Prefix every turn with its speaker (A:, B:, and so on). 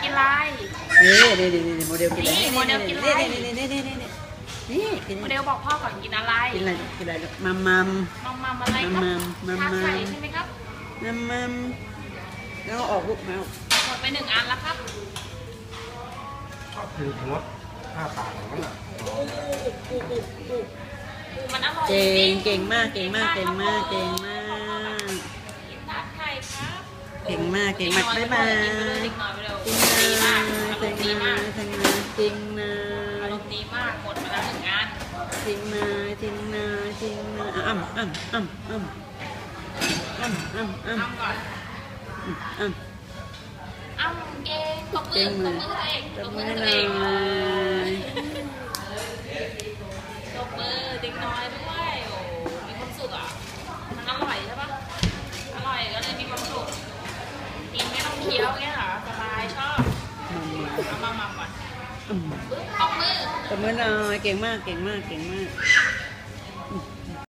A: กินอะไร
B: นี่โมเดลกินอะไร
A: นี่โมเดลกินอะไร
B: นี่กิน
A: โมเดลบอกพ่อก่อนกินอะไร
B: กินอะไรกินอะไรมัม
A: มัมอะไรครับ
B: มัม
A: ชาไข่ใช่ไหมครับ
B: แล้วออกลูกแมว
A: หมดไป1 อันแล้วครับ
C: ก็คืองด5 ปากของมันอ่ะ
A: มันอร่อย
B: เก่งมาก
A: กินทาดไข่ครับ
B: เก่งมากบ๊ายบาย
A: เด็กน้อยไปเร็ว
B: จริง
A: ดีมาก
B: นะ
A: อารมณ์ดีมาก
B: จริงนะ
A: อารมณ์ดีมากหมดไปแล้ว1 อัน
B: จริงนะอ้ำ
A: อ้ำก่อนอ้ำเก่งตบมือตัวเอง
B: ตบมือ
A: ตัว
B: หน่
A: เอ
B: อง ย
A: ตบมือเด็กน้อยด้วยโอ้มีความสุขอ่ะมันอร่อยใช่ปะอร่อยก็เลยมีความสุขกินไม่ต้องเคี้ยวเงี้ยเหรอสบายชอบเอามาก่อนตบมือ
B: ตบมือหน่อยเก่งมาก